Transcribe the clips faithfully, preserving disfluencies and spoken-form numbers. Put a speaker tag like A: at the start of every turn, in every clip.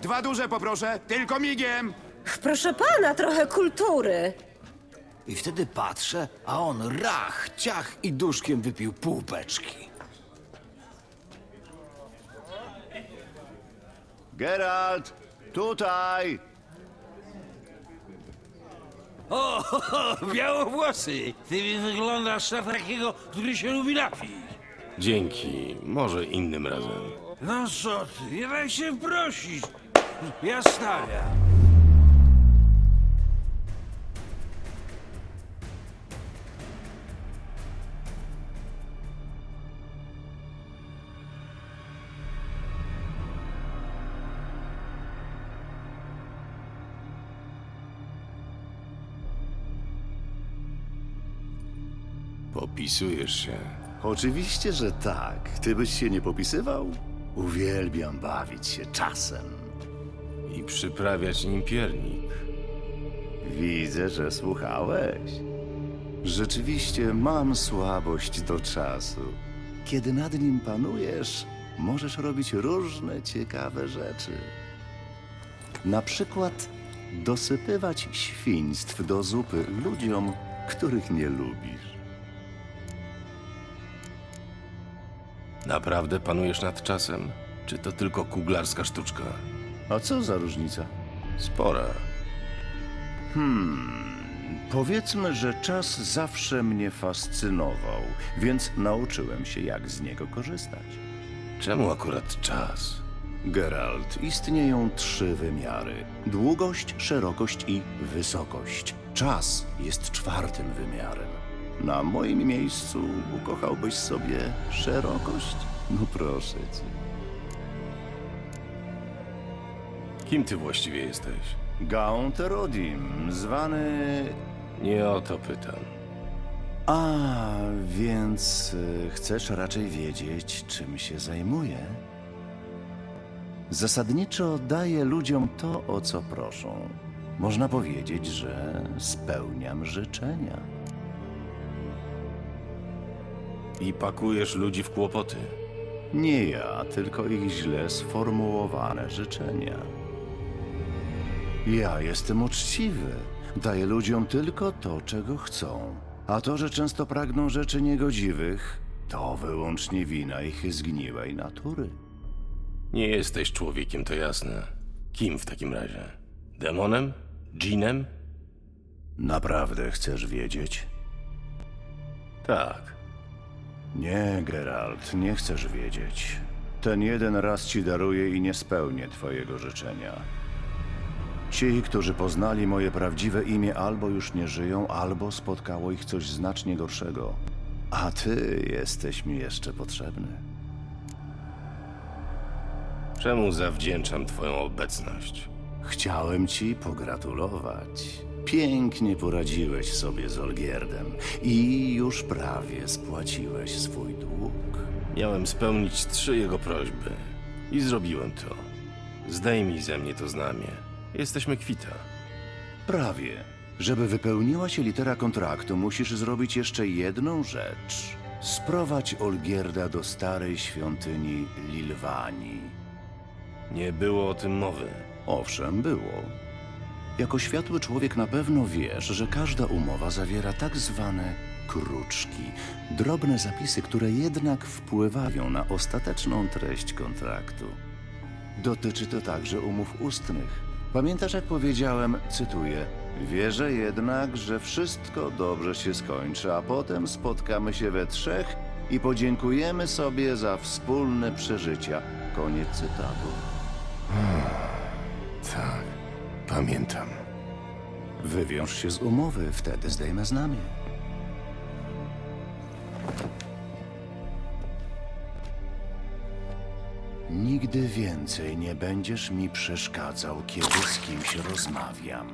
A: Dwa duże poproszę, tylko migiem.
B: Proszę pana, trochę kultury.
C: I wtedy patrzę, a on rach, ciach i duszkiem wypił pół beczki.
A: Geralt, tutaj!
D: O, ho, ho, białowłosy! Ty mi wyglądasz na takiego, który się lubi napić.
E: Dzięki, może innym razem.
D: No co ty, nie daj się prosić. Ja stawiam.
E: Popisujesz się.
F: Oczywiście, że tak. Ty byś się nie popisywał? Uwielbiam bawić się czasem.
E: I przyprawiać nim piernik.
F: Widzę, że słuchałeś. Rzeczywiście mam słabość do czasu. Kiedy nad nim panujesz, możesz robić różne ciekawe rzeczy. Na przykład dosypywać świństw do zupy ludziom, których nie lubisz.
E: Naprawdę panujesz nad czasem? Czy to tylko kuglarska sztuczka?
F: A co za różnica?
E: Spora.
F: Powiedzmy, że czas zawsze mnie fascynował, więc nauczyłem się, jak z niego korzystać.
E: Czemu akurat czas?
F: Geralt, istnieją trzy wymiary: długość, szerokość i wysokość. Czas jest czwartym wymiarem. Na moim miejscu ukochałbyś sobie szerokość? No proszę cię.
E: Kim ty właściwie jesteś?
F: Gaunt Erodim, zwany...
E: Nie o to pytam.
F: A, więc y, chcesz raczej wiedzieć, czym się zajmuję? Zasadniczo daję ludziom to, o co proszą. Można powiedzieć, że spełniam życzenia.
E: I pakujesz ludzi w kłopoty.
F: Nie ja, tylko ich źle sformułowane życzenia. Ja jestem uczciwy. Daję ludziom tylko to, czego chcą. A to, że często pragną rzeczy niegodziwych, to wyłącznie wina ich zgniłej natury.
E: Nie jesteś człowiekiem, to jasne. Kim w takim razie? Demonem? Dżinem?
F: Naprawdę chcesz wiedzieć?
E: Tak.
F: Nie, Geralt, nie chcesz wiedzieć. Ten jeden raz ci daruję i nie spełnię twojego życzenia. Ci, którzy poznali moje prawdziwe imię, albo już nie żyją, albo spotkało ich coś znacznie gorszego. A ty jesteś mi jeszcze potrzebny.
E: Czemu zawdzięczam twoją obecność?
F: Chciałem ci pogratulować. Pięknie poradziłeś sobie z Olgierdem i już prawie spłaciłeś swój dług.
E: Miałem spełnić trzy jego prośby. I zrobiłem to. Zdejmij ze mnie to znamie. Jesteśmy kwita.
F: Prawie. Żeby wypełniła się litera kontraktu, musisz zrobić jeszcze jedną rzecz. Sprowadź Olgierda do starej świątyni Lilwanii.
E: Nie było o tym mowy.
F: Owszem, było. Jako światły człowiek na pewno wiesz, że każda umowa zawiera tak zwane kruczki. Drobne zapisy, które jednak wpływają na ostateczną treść kontraktu. Dotyczy to także umów ustnych. Pamiętasz, jak powiedziałem, cytuję: wierzę jednak, że wszystko dobrze się skończy, a potem spotkamy się we trzech i podziękujemy sobie za wspólne przeżycia. Koniec cytatu.
E: Tak, pamiętam.
F: Wywiąż się z umowy, wtedy zdejmę znamie. Nigdy więcej nie będziesz mi przeszkadzał, kiedy z kimś rozmawiam.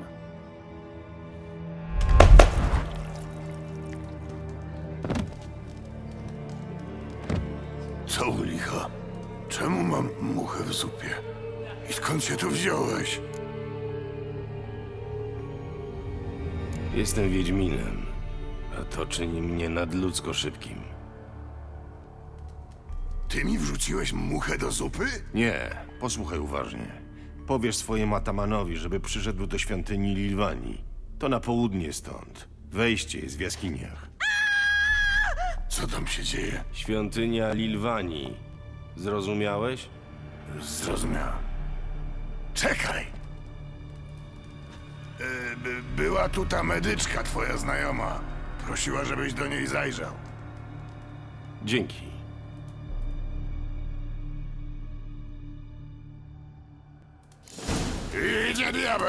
G: Co u licha? Czemu mam muchę w zupie? I skąd się tu wziąłeś?
E: Jestem Wiedźminem, a to czyni mnie nadludzko szybkim.
G: Ty mi wrzuciłeś muchę do zupy?
E: Nie, posłuchaj uważnie. Powiesz swojemu atamanowi, żeby przyszedł do świątyni Lilwani. To na południe stąd. Wejście jest w jaskiniach.
G: Co tam się dzieje?
E: Świątynia Lilwani. Zrozumiałeś?
G: Zrozumiałem. Czekaj! E, by, była tu ta medyczka, twoja znajoma. Prosiła, żebyś do niej zajrzał.
E: Dzięki.
G: Idzie diabeł!